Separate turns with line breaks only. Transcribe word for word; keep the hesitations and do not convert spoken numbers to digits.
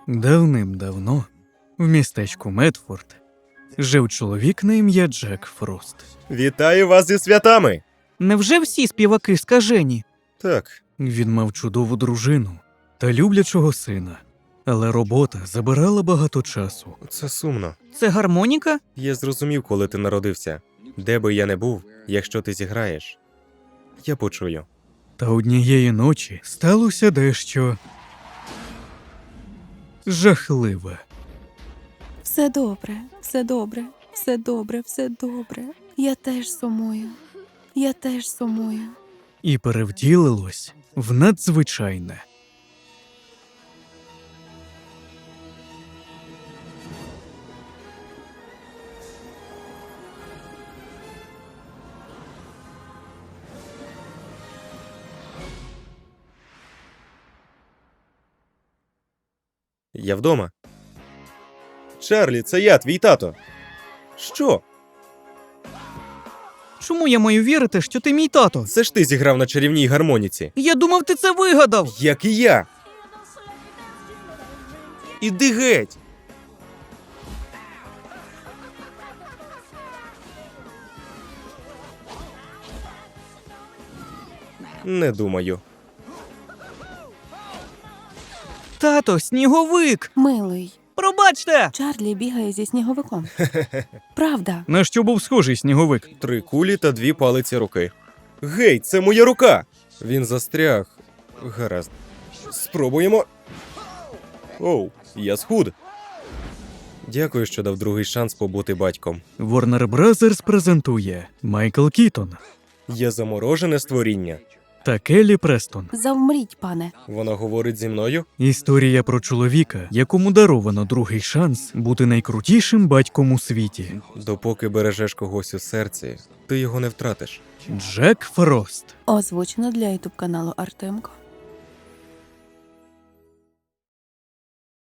Давним-давно в містечку Медфорд жив чоловік на ім'я Джек Фрост.
Вітаю вас зі святами!
Невже всі співаки скажені?
Так,
Він мав чудову дружину та люблячого сина, але робота забирала багато часу.
це сумно.
Це гармоніка?
Я зрозумів, коли ти народився. Де би я не був, якщо ти зіграєш, я почую.
Та однієї ночі сталося дещо жахливе.
Все добре, все добре, все добре, все добре. Я теж сумую. Я теж сумую.
І перевтілилось в надзвичайне.
Я вдома. Чарлі, це я, твій тато. Що?
Чому я маю вірити, що ти мій тато?
Це ж ти зіграв на чарівній гармоніці.
Я думав, ти це вигадав!
Як і я. Іди геть. Не думаю.
Тато, сніговик!
Милий,
Пробачте!
Чарлі бігає зі сніговиком. Правда.
На що був схожий сніговик?
Три кулі та дві палиці руки. Гей, це моя рука! Він застряг. Гаразд. Спробуємо. Оу, я схуд. Дякую, що дав другий шанс побути батьком.
Warner Brothers презентує Майкл Кітон
Я заморожене створіння.
та Келлі Престон.
Завмріть, пане.
Вона говорить зі мною?
Історія про чоловіка, якому даровано другий шанс бути найкрутішим батьком у світі.
Допоки бережеш когось у серці, ти його не втратиш.
Джек Фрост.
Озвучено для ютуб каналу Артемко.